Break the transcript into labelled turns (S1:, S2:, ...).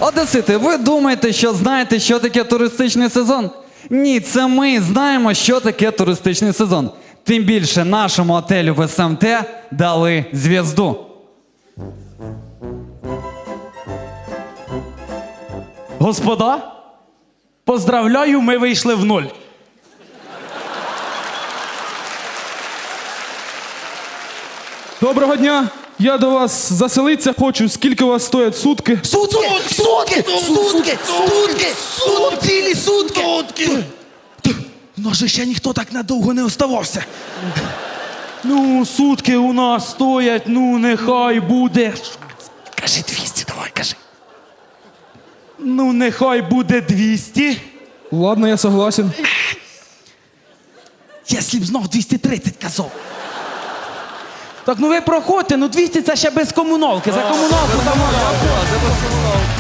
S1: Одесити, ви думаєте, що знаєте, що таке туристичний сезон? Ні, це ми знаємо, що таке туристичний сезон. Тим більше нашому отелю в СМТ дали зв'язду.
S2: Господа, поздравляю, ми вийшли в нуль.
S3: Доброго дня! Я до вас заселитися хочу. Скільки у вас стоять сутки?
S4: Сутки! Цілі сутки! Ну же ще ніхто так надовго не оставався.
S2: Ну, сутки у нас стоять, ну, нехай буде.
S4: Кажи 200, давай, кажи.
S2: Ну, нехай буде 200.
S3: Ладно, я согласен.
S4: Якщо б знов 230 казав.
S2: Так, ну ви проходьте, ну 200 це ще без комуналки. За комуналку там...